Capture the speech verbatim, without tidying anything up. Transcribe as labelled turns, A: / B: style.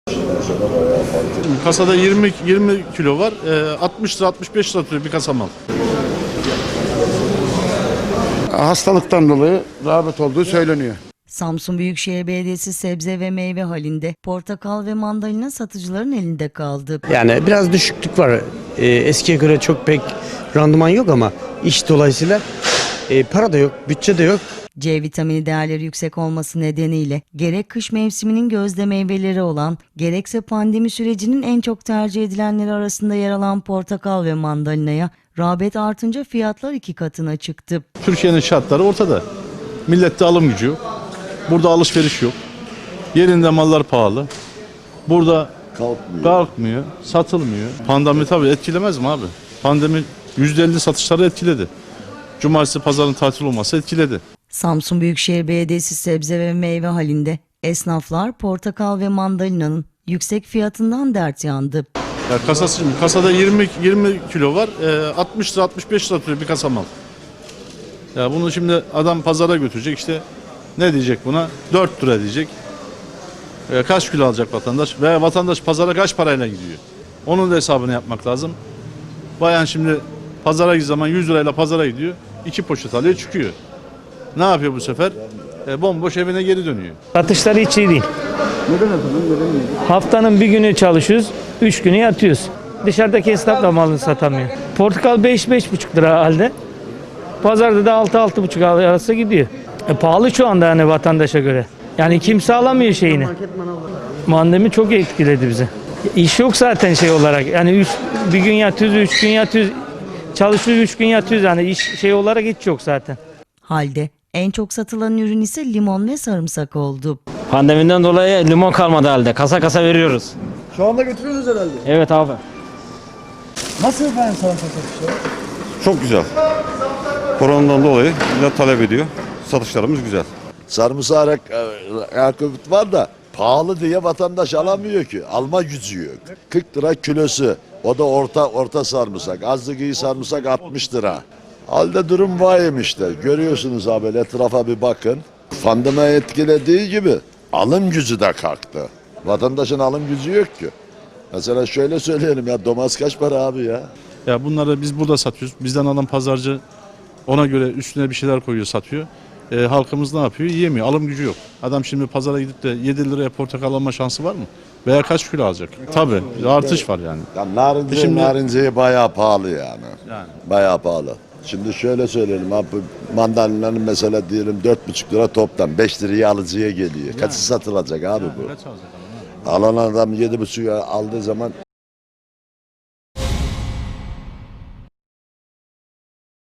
A: Kasada yirmi yirmi kilo var. E, altmış lira altmış beş lira tutuyor bir kasa mal.
B: Hastalıktan dolayı rağbet olduğu söyleniyor.
C: Samsun Büyükşehir Belediyesi sebze ve meyve halinde portakal ve mandalina satıcıların elinde kaldı.
D: Yani biraz düşüklük var. Ee, eskiye göre çok pek randıman yok ama iş dolayısıyla e, para da yok, bütçe de yok.
C: C vitamini değerleri yüksek olması nedeniyle gerek kış mevsiminin gözde meyveleri olan gerekse pandemi sürecinin en çok tercih edilenleri arasında yer alan portakal ve mandalinaya rağbet artınca fiyatlar iki katına çıktı.
A: Türkiye'nin şartları ortada. Millette alım gücü yok. Burada alışveriş yok. Yerinde mallar pahalı. Burada kalkmıyor, kalkmıyor satılmıyor. Pandemi tabii etkilemez mi abi? Pandemi yüzde elli satışları etkiledi. Cumartesi pazarın tatil olması etkiledi.
C: Samsun Büyükşehir Belediyesi sebze ve meyve halinde esnaflar portakal ve mandalinanın yüksek fiyatından dert yandı.
A: Ya kasası, kasada yirmi yirmi kilo var. E, altmış lira altmış beş lira tutuyor bir kasa mal. Ya bunu şimdi adam pazara götürecek, işte ne diyecek buna? dört lira diyecek. E, kaç kilo alacak vatandaş? Veya vatandaş pazara kaç parayla gidiyor? Onun da hesabını yapmak lazım. Bayan şimdi pazara gittiği zaman yüz lirayla pazara gidiyor. iki poşet alıyor çıkıyor. Ne yapıyor bu sefer? E, bomboş evine geri dönüyor.
E: Satışları hiç iyi değil.
B: Neden efendim? Neden?
E: Haftanın bir günü çalışıyoruz, üç günü yatıyoruz. Dışarıdaki esnaf da malını satamıyor. Portakal beş beş buçuk lira halde. Pazarda da altı altı buçuk arası gidiyor. E, pahalı şu anda yani vatandaşa göre. Yani kimse alamıyor şeyini. Pandemi çok etkiledi bizi. İş yok zaten şey olarak. Yani üç, bir gün yatıyoruz, üç gün yatıyoruz. Çalışıyoruz, üç gün yatıyoruz. Yani iş şey olarak hiç yok zaten.
C: Halde en çok satılan ürün ise limon ve sarımsak oldu.
F: Pandemiden dolayı limon kalmadı halde. Kasa kasa veriyoruz.
G: Şu anda götürüyoruz herhalde.
F: Evet abi.
G: Nasıl efendim sarımsak satışları?
H: Çok güzel. Koronadan dolayı millet talep ediyor. Satışlarımız güzel.
I: Sarımsak rekabet var da pahalı diye vatandaş alamıyor ki. Alma gücü yok. kırk lira kilosu. O da orta orta sarımsak. Azlık iyi sarımsak altmış lira. Halde durum vahim işte. Görüyorsunuz abi, etrafa bir bakın. Pandemi etkilediği gibi alım gücü de kalktı. Vatandaşın alım gücü yok ki. Mesela şöyle söyleyelim ya, domates kaç para abi ya?
A: Ya bunları biz burada satıyoruz. Bizden alan pazarcı ona göre üstüne bir şeyler koyuyor, satıyor. E, halkımız ne yapıyor? Yiyemiyor. Alım gücü yok. Adam şimdi pazara gidip de yedi liraya portakal alma şansı var mı? Veya kaç kilo alacak? Tabii. Artış var yani.
I: Ya narince,
A: Şimdi-
I: narinceyi bayağı pahalı yani.
A: Yani.
I: Bayağı pahalı. Şimdi şöyle söyleyelim abi, mandalinanın mesela diyelim dört buçuk lira toptan beş liraya alıcıya geliyor. Kaçı satılacak abi bu?
A: Kaç alacak adam?
I: Alan adam yedi buçuğa aldığı zaman